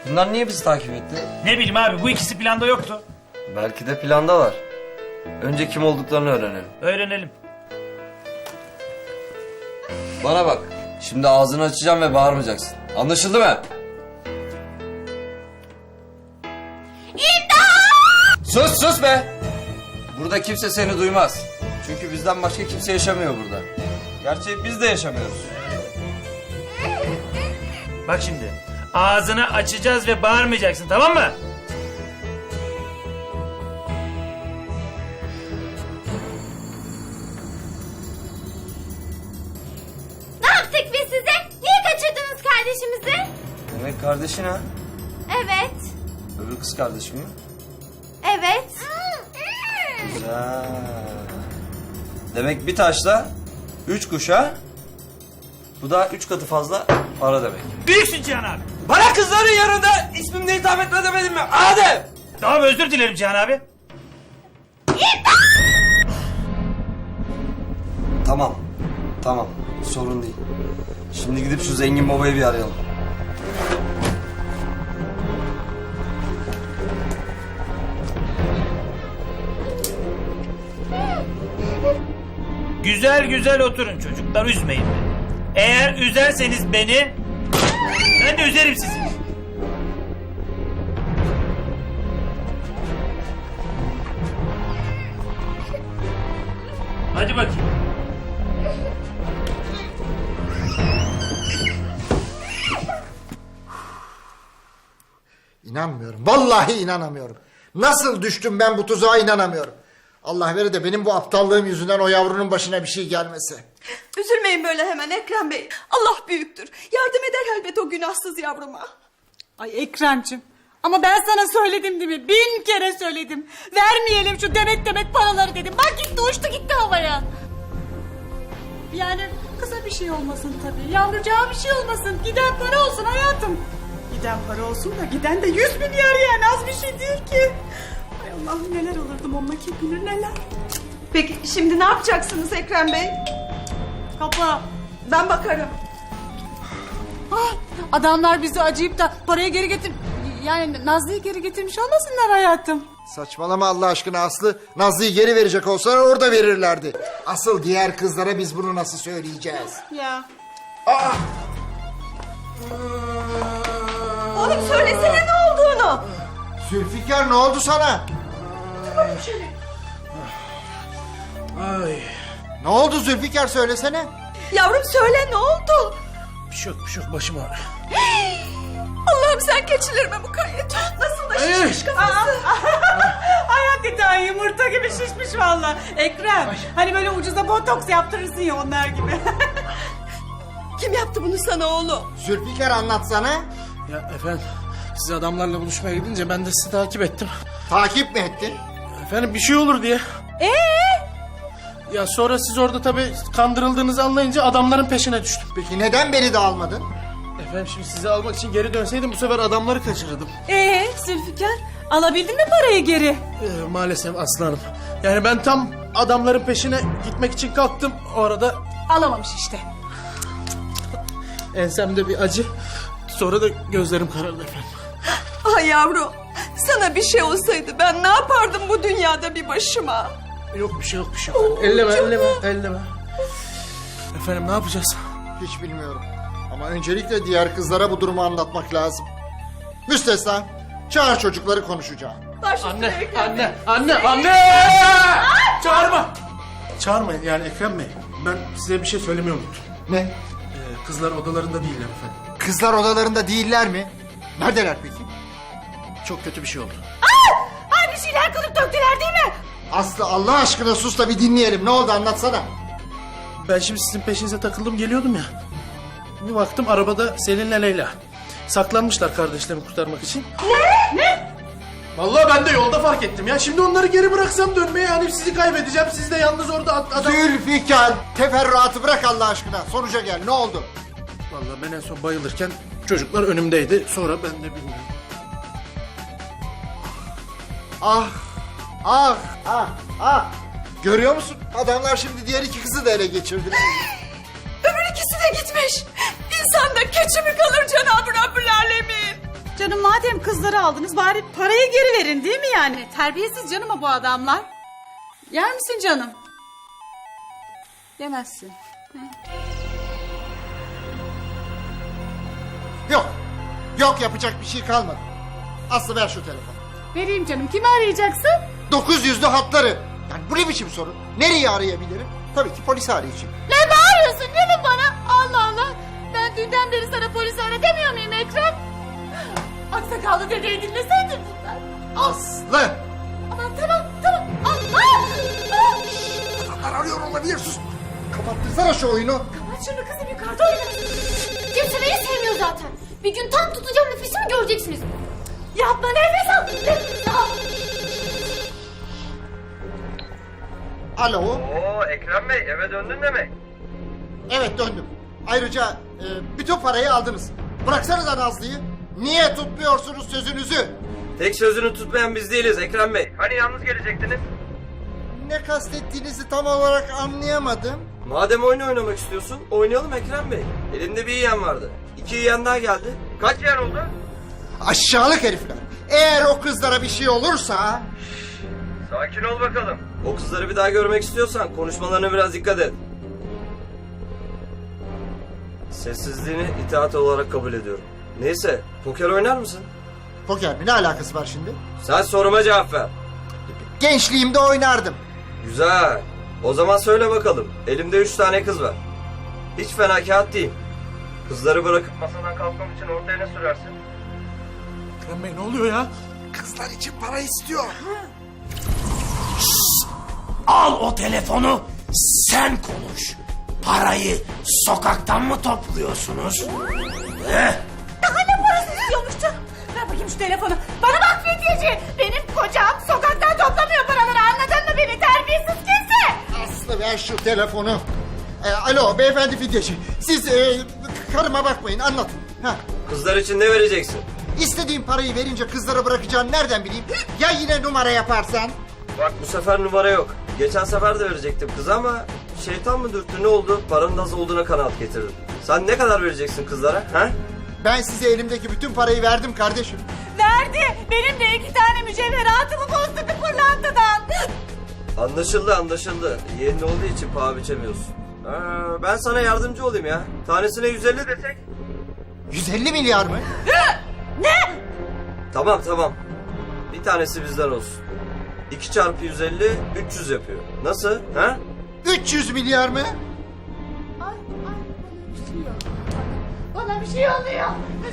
Bunlar niye bizi takip etti? Ne bileyim abi, bu ikisi planda yoktu. Belki de planda var. Önce kim olduklarını öğrenelim. Öğrenelim. Bana bak. Şimdi ağzını açacağım ve bağırmayacaksın. Anlaşıldı mı? İmdat! Sus be! Burada kimse seni duymaz. Çünkü bizden başka kimse yaşamıyor burada. Gerçi biz de yaşamıyoruz. Bak şimdi, ağzını açacağız ve bağırmayacaksın, tamam mı? Ne yaptık biz size? Niye kaçırdınız kardeşimizi? Demek kardeşin ha? Evet. Öbür kız kardeşim mi? Evet. Güzel. Demek bir taşla 3 kuş ha? Bu da 3 katı fazla para demek. Büyüksün Cihan abi. Bana kızların yanında ismimle hitap etme demedim mi? Adem! Tamam, özür dilerim Cihan abi. Tamam. Sorun değil. Şimdi gidip şu zengin babayı bir arayalım. Güzel güzel oturun çocuklar, üzmeyin beni. Eğer üzerseniz beni, ben de üzerim sizi. Hadi bakayım. İnanmıyorum. Vallahi inanamıyorum. Nasıl düştüm ben bu tuzağa inanamıyorum. Allah verir de benim bu aptallığım yüzünden o yavrunun başına bir şey gelmesi. Üzülmeyin böyle hemen Ekrem Bey. Allah büyüktür. Yardım eder elbet o günahsız yavruma. Ay Ekrem'cim, ama ben sana söyledim değil mi? 1000 kere söyledim. Vermeyelim şu demet paraları dedim. Bak gitti, uçtu gitti havaya. Yani kısa bir şey olmasın tabii. Yavrucağa bir şey olmasın. Giden para olsun hayatım. Giden para olsun da giden de 100 milyar, yani az bir şey değil ki. Ay Allah'ım, neler olurdum onunla, kim bilir neler. Peki şimdi ne yapacaksınız Ekrem Bey? Kapa. Ben bakarım. Ah, adamlar bizi acıyıp da parayı geri getir... Yani Nazlı'yı geri getirmiş olmasınlar hayatım. Saçmalama Allah aşkına Aslı. Nazlı'yı geri verecek olsalar orada verirlerdi. Asıl diğer kızlara biz bunu nasıl söyleyeceğiz? Ya. Oğlum söylesene ne olduğunu. Zülfikar ne oldu sana? Ay, Ne oldu Zülfikar söylesene. Yavrum söyle ne oldu? bir şey yok başım ağrıyor. Allah'ım sen keçilerime mukayyet ol. Nasıl da şişmiş kafası. Ay hakikaten yumurta gibi şişmiş valla. Ekrem, hani böyle ucuza botoks yaptırırsın ya, onlar gibi. Kim yaptı bunu sana oğlum? Zülfikar anlatsana. Ya efendim, siz adamlarla buluşmaya gidince ben de sizi takip ettim. Takip mi ettin? Efendim bir şey olur diye. Ya sonra siz orada tabii kandırıldığınızı anlayınca adamların peşine düştüm. Peki neden beni de almadın? Efendim şimdi sizi almak için geri dönseydim bu sefer adamları kaçırırdım. Zülfikar, alabildin mi parayı geri? Maalesef aslanım. Yani ben tam adamların peşine gitmek için kalktım. O arada Alamamış işte. ensemde bir acı. Sonra da gözlerim karardı efendim. Ay yavrum. Sana bir şey olsaydı ben ne yapardım bu dünyada bir başıma? Yok bir şey yok. Elleme. Efendim ne yapacağız? Hiç bilmiyorum. Ama öncelikle diğer kızlara bu durumu anlatmak lazım. Müstesna, çağır çocukları konuşacağım. Baş üstüne Ekrem Bey. Anne! Çağırma! Çağırmayın yani Ekrem Bey. Ben size bir şey söylemeyi unuttum. Ne? Kızlar odalarında değiller efendim. Kızlar odalarında değiller mi? Neredeler peki? Çok kötü bir şey oldu. Ay bir şeyler kılıp döktüler değil mi? Aslı Allah aşkına sus da bir dinleyelim. Ne oldu anlatsana. Ben şimdi sizin peşinize takıldım geliyordum ya. Bir baktım arabada Selin'le Leyla. Saklanmışlar kardeşlerimi kurtarmak için. Ne? Vallahi ben de yolda fark ettim ya. Şimdi onları geri bıraksam dönmeye hani sizi kaybedeceğim. Siz de yalnız orada adam... Zülfikar, teferruatı bırak Allah aşkına. Sonuca gel. Ne oldu? Vallahi ben en son bayılırken çocuklar önümdeydi. Sonra ben de bilmiyorum. Ah. Görüyor musun? Adamlar şimdi diğer iki kızı da ele geçirdiler. Öbür ikisi de gitmiş. İnsanda keçi mi kalır Cenab-ı Rabbül Alemin? canım madem kızları aldınız bari parayı geri verin değil mi yani? Terbiyesiz canım o bu adamlar. Yer misin canım? Yemezsin. Yok. Yok, yapacak bir şey kalmadı. Aslı ver şu telefonu. Vereyim canım. Kimi arayacaksın? 900'lü hatları. Yani bu ne biçim soru? Nereyi arayabilirim? Tabii ki polisi arayacağım. Ne bağırıyorsun değil mi bana? Allah Allah. Ben dünden beri sana polisi ara demiyor muyum Ekrem? Aksakallı dedeyi dinleseydin bunlar. Aslı! Aman tamam. Adamlar arıyor olabilir, sus. Kapattırsana şu oyunu. Kapat şunu kızım, yukarıda oynasın. Kimse beni sevmiyor zaten. Bir gün tam tutacağım nefesimi göreceksiniz. Yapma, nefes al. Nefes al. Alo. Oo Ekrem Bey, eve döndün demek. Evet, döndüm. Ayrıca bütün parayı aldınız. Bıraksanıza Nazlı'yı. Niye tutmuyorsunuz sözünüzü? Tek sözünü tutmayan biz değiliz Ekrem Bey. Hani yalnız gelecektiniz? Ne kastettiğinizi tam olarak anlayamadım. Madem oyun oynamak istiyorsun, oynayalım Ekrem Bey. Elimde bir yiyen vardı. 2 yiyen daha geldi. Kaç yiyen oldu? Aşağılık herifler. Eğer o kızlara bir şey olursa... Sakin ol bakalım. O kızları bir daha görmek istiyorsan konuşmalarına biraz dikkat et. Sessizliğini itaat olarak kabul ediyorum. Neyse, poker oynar mısın? Poker mi? Ne alakası var şimdi? Sen soruma cevap ver. Gençliğimde oynardım. Güzel. O zaman söyle bakalım. Elimde 3 tane kız var. Hiç fena kağıt değil. Kızları bırakıp masadan kalkmam için ortaya ne sürersin? Ekrem Bey ne oluyor ya? Kızlar için para istiyor. Al o telefonu, sen konuş. Parayı sokaktan mı topluyorsunuz? Daha ne parası istiyormuş canım? Ver bakayım şu telefonu. Bana bak Fidyeci. Benim kocam sokaktan toplamıyor paraları, anladın mı beni? Terbiyesiz kimse. Aslı ver şu telefonu. Alo beyefendi Fidyeci. Siz karıma bakmayın, anlatın. Ha. Kızlar için ne vereceksin? İstediğim parayı verince kızlara bırakacağını nereden bileyim? Ya yine numara yaparsan? Bak bu sefer numara yok. Geçen sefer de verecektim kız ama şeytan mı dürttü ne oldu? Paranın az olduğuna kanaat getirdim. Sen ne kadar vereceksin kızlara? Ha? Ben size elimdeki bütün parayı verdim kardeşim. Verdi. Benim de 2 tane mücevheratımı bozdu bir pırlantadan. Anlaşıldı anlaşıldı. Yeğenin olduğu için paha biçemiyorsun. Ben sana yardımcı olayım ya. Tanesine 150 desek. 150 milyar mı? Tamam tamam. Bir tanesi bizden olsun. 2 çarpı 150 300 yapıyor. Nasıl? Ha? 300 milyar mı? Bana bir şey oluyor.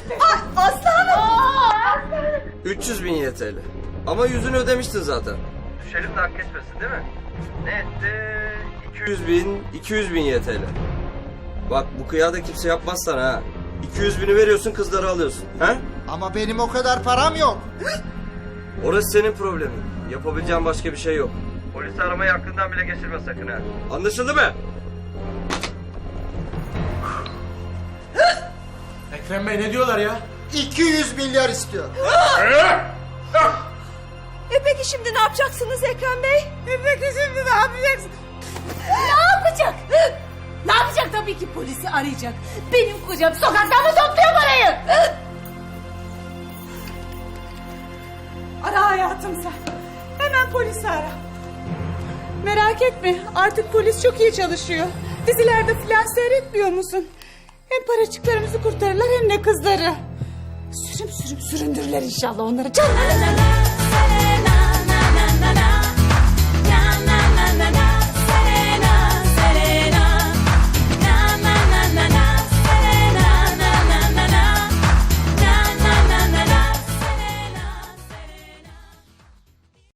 Aslanım. 300 bin YTL. Ama yüzünü ödemiştin zaten. Düşelim de hak geçmesin değil mi? Ne etti? 200 bin YTL. Bak bu kıyada kimse yapmaz sana ha. 200 bini veriyorsun kızları alıyorsun. Ha? Ama benim o kadar param yok. Orası senin problemin. Yapabileceğin başka bir şey yok. Polisi aramayı aklından bile geçirme sakın ha. Anlaşıldı mı? Ekrem Bey ne diyorlar ya? 200 milyar istiyor. Peki şimdi ne yapacaksınız Ekrem Bey? Peki şimdi ne yapacaksın? Ne yapacak? Ne yapacak? Tabii ki polisi arayacak. Benim kocam sokaktan mı topluyor parayı? Ara hayatım sen. Hemen polisi ara. Merak etme, artık polis çok iyi çalışıyor. Dizilerde filan seyretmiyor musun? Hem paracıklarımızı kurtarırlar hem de kızları. Sürüm sürüm süründürürler inşallah onları. Canlarına.